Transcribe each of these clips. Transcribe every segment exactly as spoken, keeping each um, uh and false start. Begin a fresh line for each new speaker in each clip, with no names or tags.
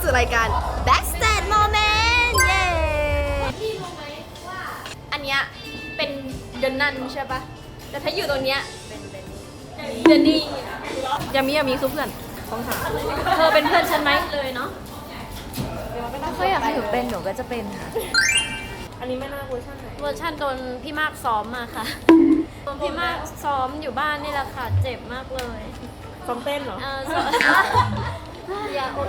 สู่รายการ Backstage Moment เย้พี่รู้ไหมว่าอันเนี้ยเป็นเดนนันใช่ปะแต่ถ้าอยู่ตรงเนี้ยเป็นเดนนี่ยามิยามิคือเพื่อนต้องถามเธอเป็นเพื่อนฉันไหมเลยเนาะ
เขาอยากให้หนูเป็นหนูก็จะเป็นค่ะ
อันนี้ไม่น่าเวอร์ชันไหน
เวอร์ชันโดนพี่มากซ้อมมาค่ะโดนพี่มากซ้อมอยู่บ้านนี่แหละค่ะเจ็บมากเลย
ซ้อมเต้นเหรอ
เออซ้อมอย่าอด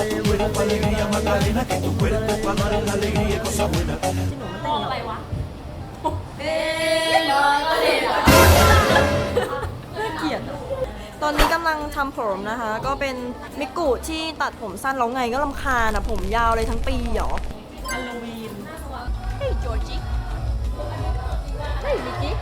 มองอะไรวะเอ๊ะมองอะไรวะ
น่าเกลียดตอนนี้กำลังทำผมนะคะ ก็เป็นมิกุที่ตัดผมสั้นแล้วไงก็รำคาญอ่ะผมยาวเลยทั้งปีเหรอฮาโลวีน
Hey Georgie Hey Mickey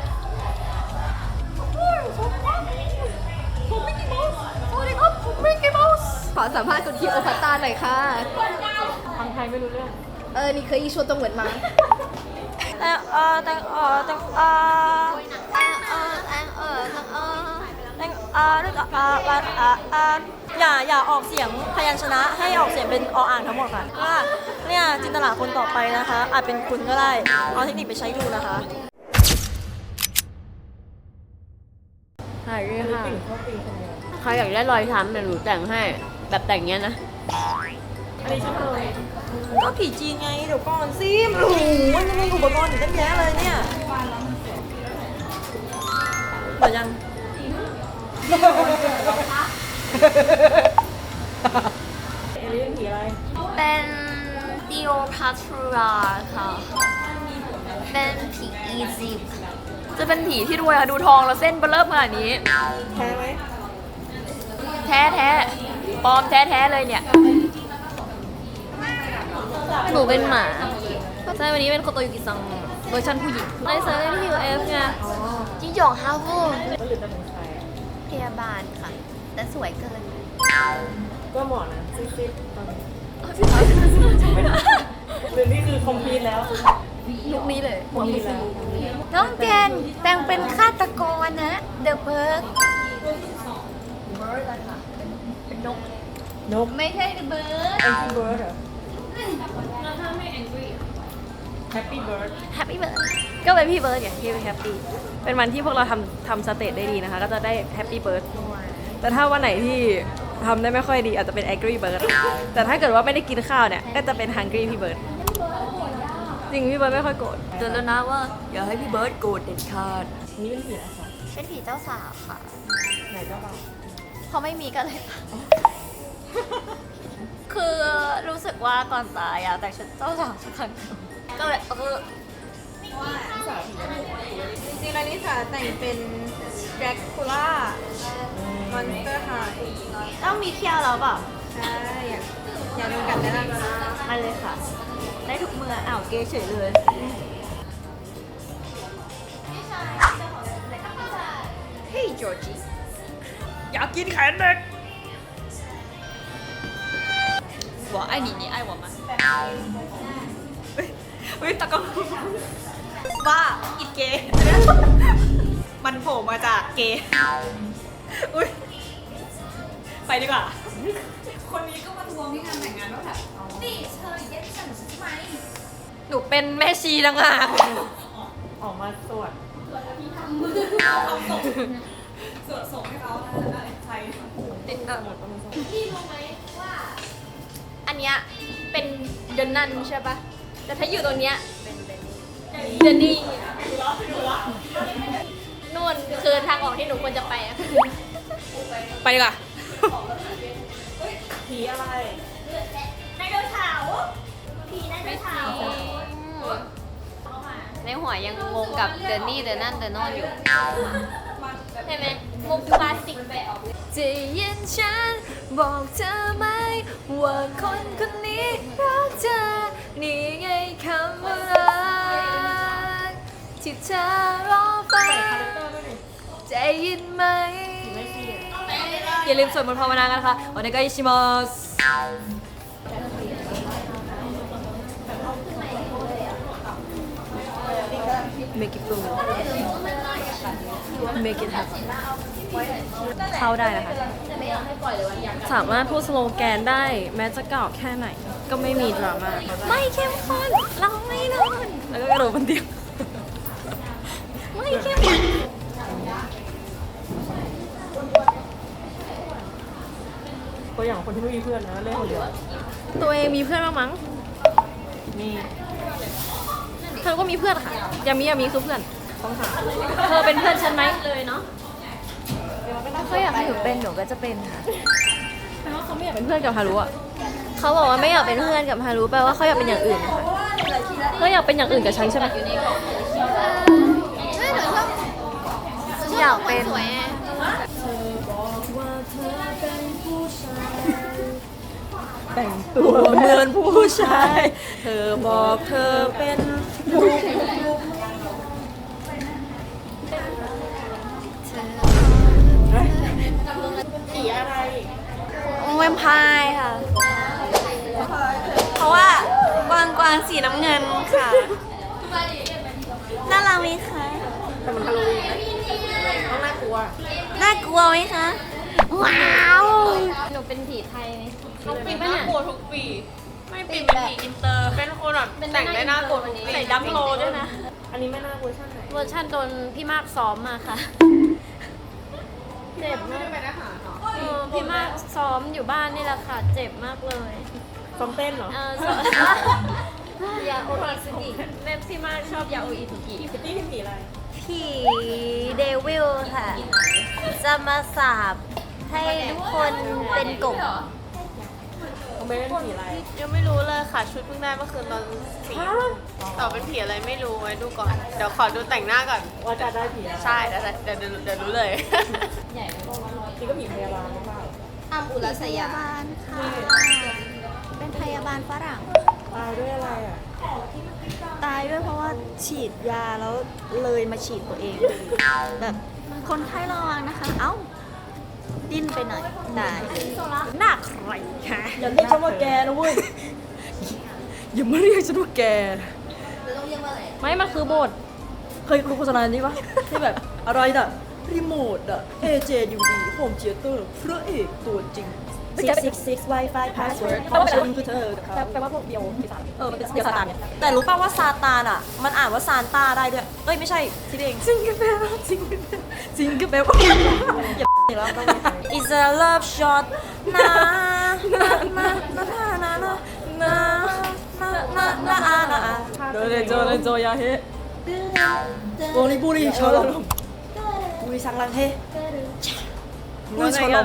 ผมมิกกี้เมาส์สวัสดีครับผมมิกกี้เมาส์ขอสัมภาษณ์คุณทีโอพัตตาหน่อยค่ะ
ฟังไทยไม่รู้เรื่อง
เออนี่เคยอีชวนตรงเหมือนมา
แต่เออแต่เออแต่เออแต่เออแต่เออแต่เออแต่เออแต่เออแต่เออเอออย่าอย่าออกเสียงพยัญชนะให้ออกเสียงเป็นออ่างทั้งหมดค่ะว่าเนี่ยจินตลาคนต่อไปนะคะอาจเป็นคุณก็ได้เอาเทคนิคไปใช้ดูนะคะ
หายเลยค่ะใครอยากได้รอยช้ำเดี๋ยวหนูแต่งให้แบบแต่งเงี้ยนะ
อันนี้ฉันเลยก็ผีจีนไงเดี๋ยวก่อนซิมโอ้โหมันมีอุปกรณ์อยู่ตั้งแยะเลยเนี่ยเหมือนยังเอลิเป็นผีอะไร
เป็นดิโอพาทราค่ะเป็นผีอียิปต์
จะเป็นผีที่รวยค่ะดูทองแล้วเส้นเบลเริ่มขนาดนี้
แท้ไหม
แท้แท้ปลอมแท้แท้เลยเนี่ยหนูเป็นหมาใช่วันนี้เป็นโคโตยุกิซังเวอร์ชันผู้หญิงในเซอร์ที่ยูเอฟไง
จิ้งจอกฮาวูพยาบาลค่ะแต่สวยเกิน
ก็เหมาะนะซิดๆตอนนี้หรือนี่คือคอมพลีทแล้ว
ลุคนี้เลย
หมดแล้ว
น้องแจนแต่งเป็นฆาตกรนะเดอะเบิร์กเป็นนก
นก
ไม่ใช่เดอะเบิร์ก
แองกี้เบิร์ดเหรอ
แล้วถ้าไม่แองกี้
แฮปปี้เบิร์ด
แฮปปี้เบิร์ดก็เป็นพี่เบิร์ดอย่างที่เป็นแฮปปี้เป็นวันที่พวกเราทำทำสเตจได้ดีนะคะก็จะได้แฮปปี้เบิร์ดแต่ถ้าวันไหนที่ทำได้ไม่ค่อยดีอาจจะเป็น angry bird แต่ถ้าเกิดว่าไม่ได้กินข้าวเนี่ยก็จะเป็น hungry พี่เบิร์ดจริงพี่เบิร์ดไม่ค่อยโกรธเตือนแล้วนะว่าอย่าให้พี่เบิร์ดโกรธเด็ดขาด
นี่เป็นผีอะไรคะ
เป็นผีเจ้าสาวค่ะ
ไหนเจ้าบ่าว
เขาไม่มีกันเลย คือรู้สึกว่าก่อนตายอะแต่ชุดเจ้าสาวสักครั้งก็เลยเออ
จริงๆแล้วนิสาแต่งเป็นแดร็กคูล่ามอนสเตอร์ไฮ
ต้องมีเที่ยวแล้วเปล่า
ใช่อยากอยากดูกันได้แล้ว
มาเลยค่ะได้ทุกเมื่ออ้าวเกย์เฉยเลยเฮ้ยจอร์จี้
อยากกินแขนเด็ก
我爱你你爱我吗
เฮ้ยตะกล้องบ้าอีกเกย์มันโผล่มาจากเกย์อุ้ยไปดีกว่าคนนี้ก็มาทวงที่งานแต่งงานว่าแบบนี่เธอเย็ดฉันใช่ไหมหนูเป็นแม่ชีต่างหาก
ออกมาสวด
สวดอภิธรรมทำศพสวดศพให้เขาอะไรใครติดหน้าหมดพี่รู้ไหมว่าอันเนี้ยเป็นเดนนันใช่ปะแต่ถ้าอยู่ตรงเนี้ยเป็นเดนนี่นู่นคือทางออกที่หนูควรจะไปอะไปดีกว่า
ผีอะไร
ไดโนเสาร์ผีไดโนเสาร์
ในหัวยังงงกับเดนนี่เดนนั่นเดนนอนอยู่
ใช่ไหมมุกคลาสสิกแบบจะยินฉันบอกเธอไหมว่าคนคนนี้รักเธอนี่ไงคำว่ารักที่เธอรอฟังใจยินไหม
อย่าลืมสวดมนต์ภาวนากันค่ะโอเนกาอิชิมัส make it flow make it happen เข้าได้นะคะ สามารถพูดสโลแกนได้แม้จะเก่าแค่ไหน ก็ไม่มีดราม่าไม่เข้มข้นเราไม่นอนแล้วก็กระโดดบนเตียงไม่เข้มข้นตัวอย่างคนที่ไม่มีเพื่อนนะเล่นคนเดียวตัวเองมีเพื่อนบ้างมั้งนี่เธอก็มีเพื่อนค่ะยามียามีคือเพื่อนต้องถามเธอเป็นเพื่อนฉันไหมเลยเนาะ
เขาอยากให้หนูเป็นหนูก็จะเป็นค่ะ
แต่ว่าเขาไม่อยากเป็นเพื่อนกับฮารุอ่ะ
เขาบอกว่าไม่อยากเป็นเพื่อนกับฮารุแปลว่าเขาอยากเป็นอย่างอื่นค่ะ
เขาอยากเป็นอย่างอื่นกับฉันใช่ไหม
อยากเป็น
แต่งตัวเหมือนผู้ชาย เธอบอกเธอเป็นลูก
แวมไพร์ค่ะ เพราะว่ากวางกวางสีน้ำเงินค่ะ น่ารักไหมคะ
แต่มันฮาโลวีนนะต้องน่ากลัว
น่ากลัวไหมคะ ว้าว
หนูเป็นผีไทยไหม
น้องปิ่นน่ากลัวทุกปี ไม่ปิ่นเป็นผีอินเตอร์ เป็นคนแบบแต่งได้น่ากลัวทุกปี
ใส่ดัมโลด้วยนะ อันนี้ไม่น่าเวอร์ชันไหน
เวอร์ชันโดนพี่มากซ้อมมาค่ะ เจ็บมากเออพี่มากซ้อมอยู่บ้านนี่แหละค่ะ เจ็บมากเลย
ซ้อมเต้นเหรอ
เออซ้อม ยาโออิสุกิแม่พี่มากชอบยาโออิสุกิ
พี่คิตตี้เป็นผีอะไร
ผีเดวิลค่ะ จะมาสาบให้ทุกคนเป็นกบ
เขาไม่เป็นผีอะไร
ยังไม่รู้เลยค่ะ ชุดเพิ่งได้เมื่อคืนตอนสี่ต่อเป็นผีอะไรไม่รู้ไว้ดูก่อน เดี๋ยวขอดูแต่งหน้าก่อน
ว่าจะได้ผีอะไร
ใช่เดี๋ยวเดี๋ยวเดี๋ยวเดี๋ยวรู้เลย
นี่ก็ผีพยาบาลหรือเปล่า
อัมอุรัสยาบาลค่ะ เป็นพยาบาลฝรั่ง
ตายด้วยอะไรอ่ะ
ตายด้วยเพราะว่าฉีดยาแล้วเลยมาฉีดตัวเอง แบบคนไข้ระวังนะคะ เอ้า ดิ้นไปหน่อยตาย
หน้าใครคะอย่าเรียกฉันว่าแกนะเว้ย อย่ามาเรียกฉันว่าแกไม่ มันคือโหมด เคยดูโฆษณานี้ปะที่แบบอะไรน่ะ รีโมทอะ เอ เจ ดี วี ดี โฮมเธียเตอร์พระเอกตัวจริง
six six six Wi-Fi password
แปลว่าฉันคือเธอแปลว่าพวกเดียวปีศาจเออ มันเป็นเดียวซาตานเนี่ยแต่รู้ป่าวว่าซาตานอ่ะ มันอ่านว่าซานต้าได้ด้วย เอ้ย ไม่ใช่คิดเองจริงกับแปลว่าจริงกับแปลจริงกับแปลว่าอย่าอีกแล้วต้อง
It's a love shot นะนะนะนะนะนะนะนะนะนะ
โดเรโจเรโจยาเฮโบริบุริชอลม
บุรีสังลังเฮ
บุริชอลม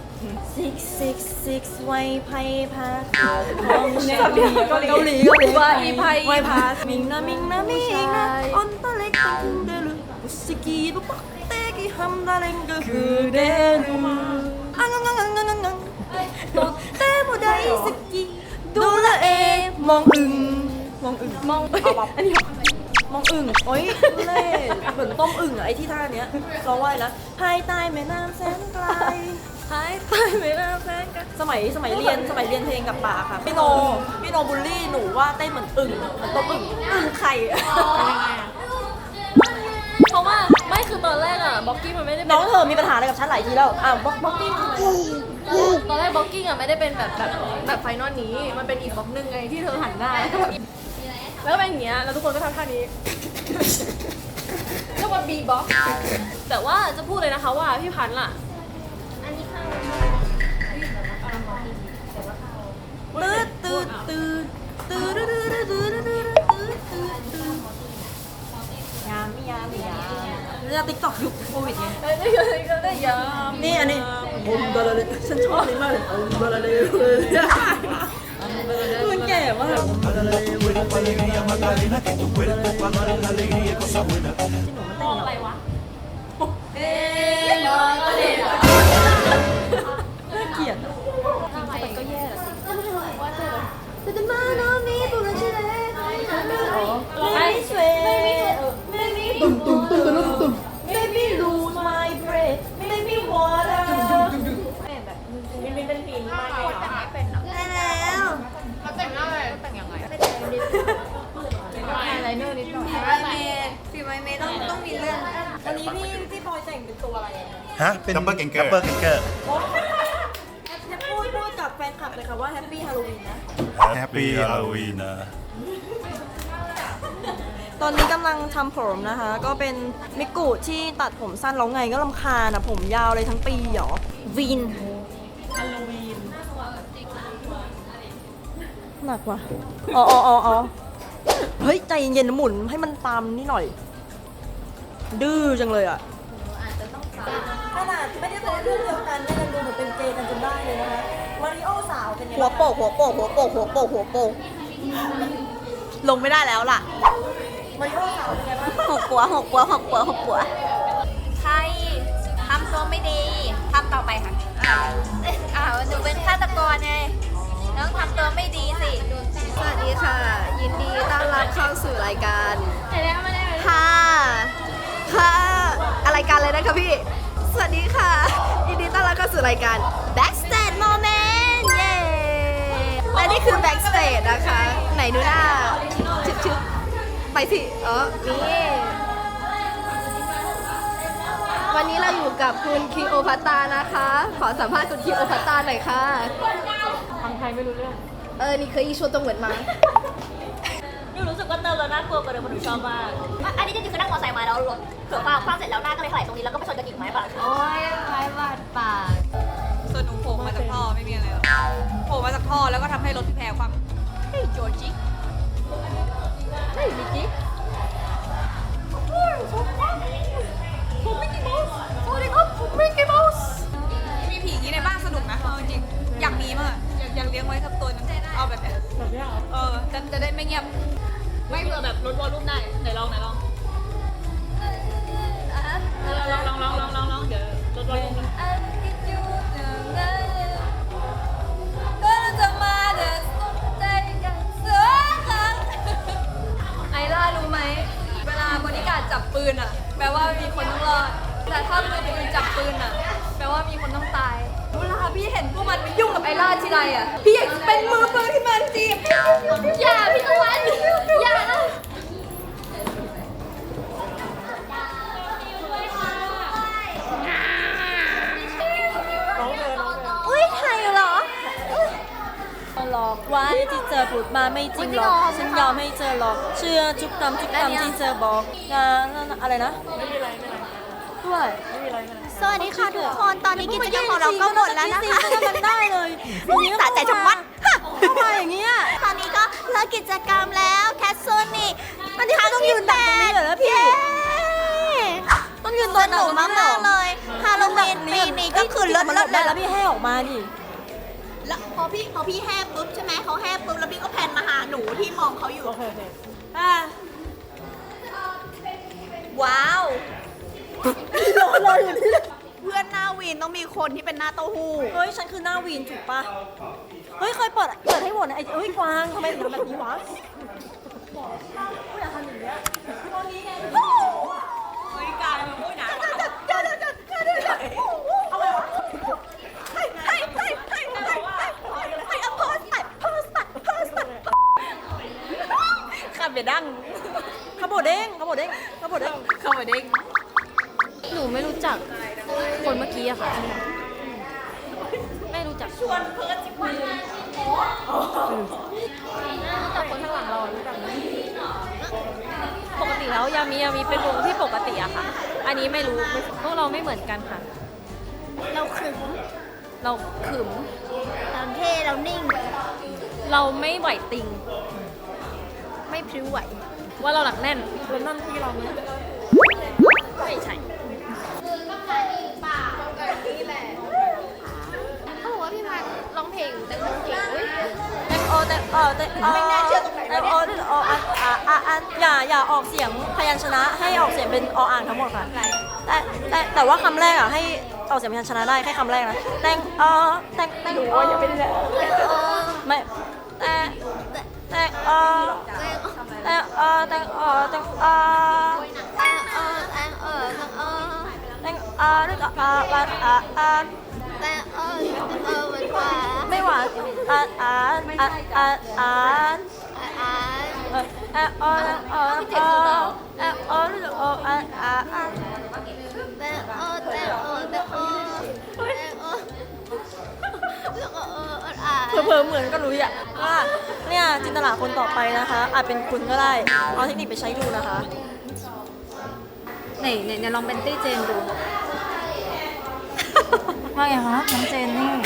six six six ไวไพ่พา
เกาหลีเกาหลีเกาหลีว่าอีไพ
ไวพามิงนะมิงนะมิงนะออนตะเล็กตังเดลุบุสกีบุปักเตกิฮัมดาเลงก็คือเดลุอังงังงังงังงังงังโตเตโมไดสกีดูละเอมองอึงมองอึงมองอันนี้มองอึ่งโอ๊ยเล่เหมือนต้มอึ่งอะไอที่ท่าเนี้ยร้องว่าอะไรนะภายใต้แม่น้ำแสนไกลภายใต้แม่น้ำแสนไกลสมัยสมัยเรียนสมัยเรียนเพลงกับป่าค่ะพี่โนพี่โนบูลลี่หนูว่าเต้นเหมือนอึ่งเหมือนต้มอึ่งอึ่งไข่
เพราะว่าไม่คือตอนแรกอะบ็อกกิ้งมันไม่ได้
น้องเธอมีปัญหาอะไรกับฉันหลายทีแล้วอ้าวบ็อกบ็อกกิ้ง
ตอนแรกบ็อกกิ้งอะไม่ได้เป็นแบบแบบแบบไฟนอลนี้ มันเป็นอีกบ็อกนึงไงที่เธอหันหน้าแล้วก็แบบแล้วก็เป็นอย่างเงี้ยแล้วทุกคนก็ทำท่านี้เรียกว่าบีบ็อกแต่ว่าจะพูดเลยนะคะว่าพี่พันธ์ล่ะ
ตืดตืดตืดตืดตืดตืดตืดตืดตืดตืดตืดยามยามยามเรื่องติ๊กต็อกยุคโควิดไง
ได้ยก็ได้ยาม
นี่อันนี้ผมบลาเลยฉันชอบนี่มากเลยผมบลาเลยมันแก่มาก
Alegría, Magdalena, que tu cuerpo para dar la alegría y cosas buenas.
มองอะไรวะ
น่าเกลียด
ทำไมก็แย่ละสิ
แต่จะมาโนมีบุรุษเลยไม่มีสวยไม่มีตุ้มตุ้มตุ้มตุ้มตุ้มไม่มี lose my breath ไม่มี water
มินมินเป็นผีมากเลยเหรอ
ได้แล้ว
เขาแต่งหน้าอะไรแต่งยังไง
ไฮไลเนอร์นิดหน่อย
ฝีไม้เมย์ฝีไม้เมย์ต้องต้องมีเรื่องวันนี้พี่พี่พลอยแต่งเป็นตัวอะไร
ฮะ เป็น
ดับเบิลเกงเกอร์
ดับเบิลเกงเกอร์
พูดพูดกับแฟนคลับเลยค่ะว่าแฮปปี้ฮาโลวีนนะ
แฮปปี้ฮาโลวีนนะ
ตอนนี้กำลังทำผมนะคะ ก็เป็นมิกุที่ตัดผมสั้นแล้วไงก็ลำคาญอ่ะ ผมยาวเลยทั้งปีหรอวีนฮาโลวีนหนักว่ะอ๋ออ๋ออ๋ออ๋อเฮ้ย ใจเย็นๆนะหมุนให้มันตามนี่หน่อย ดื้อจังเลยอ่ะขนาดไม่ได้เป็นเรื่องเดียวกันไม่กันดูเหมือนเป็นเกย์กันจนได้เลยนะคะมาริโอสาวเป็นยังไงหัวโปกหัวโปกหัวโปกหัวโปกหัวโปกลงไม่ได้แล้วล่ะมาริโอสาวเป็นไงบ้างหกปัวหกปัวหกปัวหกปัว
ใครทำตัวไม่ดีทำต่อไปค่ะอ้าวอ้าวหนูเป็นฆาตกรไงต้องทำตัวไม่ดีสิ
สวัสดีค่ะ ยินดีต้อนรับเข้าสู่รายการ
เห็นแล้วมาแล้ว
ค่ะค่ะอะไรายการเลยนะคะพี่ สวัสดีค่ะ ยินดีต้อนรับเข้าสู่รายการ Backstage Moment เย้และนี่คือ Backstage นะคะ ไหนดูหน้าชึบชึบไปสิอ๋อนี่วันนี้เราอยู่กับคุณคีโอพัตตานะคะ ขอสัมภาษณ์คุณคีโอพัตตาหน่อยค่ะทางไทยไม่รู้เรื่อง เออ นี่เคยอีชัวตรงเหมือนมา
หนูรู้สึกว่าเติมแล้วน่ากลัวกว่าเดิมหนูชอบมาก
อันนี้จริงๆคือนั่งมอเตอร์ไซค์มาแล้วรถเผื่อฟ้าคว้างเสร็จแล้วหน้าก็เลยถลายตรงนี้แล้วก็ไปชนกันอีกไหมป่ะ
โอ้ยไม้บาดปาก
ส่วนหนูโผล่มาจากท่อไม่มีอะไรหรอกโผล่มาจากท่อแล้วก็ทำให้รถพี่แพรความเฮ้ยโจจิเฮ้ยมิกกี้ผมมิกกี้เมาส์สวัสดีครับผมมิกกี้เมาส์มีผีอย่างนี้ในบ้านสนุกนะเอาจริงอยากมีมากอยากอยากเลี้ยงไว้สักตัวนึงเอาแบบเนี้ยแบบนี้เออจะจะได้ไม่เงียบไม่เผื่อแบบลดวอลลุ่มได้ไหนลองไหนลองลองลองลองลองลองลองเดี๋ยวลดวอลลุ่ม
อันที่อยู่ตรงนั้นก็จะมาเดินสนใจกันสักครั้งไอล่ารู้ไหมเวลาบริการจับปืนอ่ะแปลว่ามีคนต้องรอดแต่ถ้ามือปืนจับปืนอ่ะแปลว่ามีคนต้องตายเวลาพี่เห็นพวกมันไปยุ่งกับไอล่าทีไรอ่ะพี่อยากจะเป็นมือปืนที่มันจีบอย่าพี่ตะวันอย่านะ
อุ้ยไทยเหรอหลอกไว้ที่เจอพูดมาไม่จริงหรอกฉันยอมให้เจอหรอกเชื่อจุกคำทุกคำที่เจอบอกนะอะไรนะไม่มีอะไรไม่มีอะไรด้วย
สวัสดีค่ะทุกคนตอนนี้กิจกรรมของเราก็หมดแล้วนะคะ
มันได้เลยสะใจชะมัดเข้ามาอย่างเงี้ย
ตอนนี้ก็เลิกกิจกรรมแล้วแคสโซนิก
มันที่ต้องยืนแบบตรงนี้เหรอพี่ต้องยืน
ส
ตัวห
นุ
นู
ก
มาม
าก กๆเลยฮาโลวีนปีนี้ก็คือเลิศ
มัน
เลิศ
ได้
เลย
แล้วพี่ให้ออกมาดิ
แล้วพอพี่พอพี่แห่ปุ๊บใช่ไหมเขาแห่ปุ๊บแล้วพี่ก็แพนมาหาหนูที่มองเขาอยู่
อ่ะ
ว้าว
รอรออยู่นี่
เพื่อนหน้าวีนต้องมีคนที่เป็นหน้าเต้าหู้
เฮ้ยฉันคือหน้าวีนถูกปะเฮ้ยเคยเปิดเปิดให้หมดนะไอ้เอ้ยกวางทำไมถึงทำแบบนี้วะไม่อยากทำอย่างเงี้ยตอนนี้ไง
บริการมันพูดหนา
เดี๋ยวเดี๋ยวเดี๋ยวเดี๋ยวเดี๋ยวเดี๋ยวเอาไงวะให้ให้ให้ให้ให้ให้ให้เอาโพสต์ไปโพสต์ไปโพสต์ไปขับอย่าดังขบวเด้งขบวเด้งขบวเด้ง
เข้ามาเด้ง
หนูไม่รู้จักคนเมื่อกี้อะค่ะ ไม่รู้จักชวนเพิร์ดจิบมือรู้จักคนข้างหลังเรารู้จักไหมปกติแล้วยามียามีเป็นวงที่ปกติอะค่ะ อันนี้ไม่รู้ไม่พวกเราไม่เหมือนกันค่ะ
เราขึง
เราขึม
เราเท่เรานิ่ง
เราไม่ไหวติง ไม่พริ้วไหว ว่าเราหนักแน่น
แล้วนั่นที่เราเนี่ย
ไม่ใช่
เขาบอกว่าพี่มาร้องเพลงแต่งเพลงอุ้ย
แตงโอแตงโอแตงโอไม่น่าเชื่อตรงไหนแตงโอแตงโออ่ะอ่ะอ่ะอ่ะอย่าอย่าออกเสียงพยัญชนะให้ออกเสียงเป็นออ่างทั้งหมดค่ะแต่แต่แต่ว่าคำแรกอ่ะให้ออกเสียงพยัญชนะได้แค่คำแรกนะแตงโอแตงแตงโออย่าเป็นเลยไม่แต่แตงโอแตงโอแตงโอแตงโอ
แองเออแองเออแองเออ
แตงโอนึกอ่ะอ่ะอ่ะอ่ะ
แองเออแองเออเหมือนขวา
ไม่หวานอ่ะอ่ะอ่ะอ่ะอ่ะ
อ่า
เออเออเออเออเออเออเออเออเออเออ
แองเออแองเออแองเออ
เผลอๆเหมือนก็รู้อ่ะว่าเนี่ยจินตลาคนต่อไปนะคะ อาจเป็นคุณก็ได้ เอาเทคนิคไปใช้ดูนะคะ
ไหนไหนไหนลองเป็นตี้เจนดู ว่าไงคะน้องเจนนี่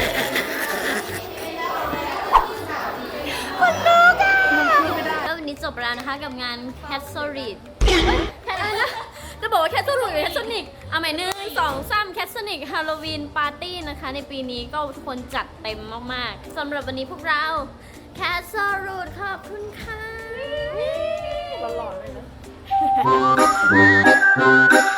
แล้ววันนี้จบแล้วนะคะกับงาน Cat s o r i d แค่นั้นนะจะบอกว่า Cat s o r i d หรือ Cat Sonic เอาใหม่หนึ่งสองสาม Cat Sonic Halloween Party นะคะ ในปีนี้ก็ทุกคนจัดเต็มมากๆสำหรับวันนี้พวกเรา Cat s o r i d ขอบคุณค่ะ
หล่อๆเลยนะ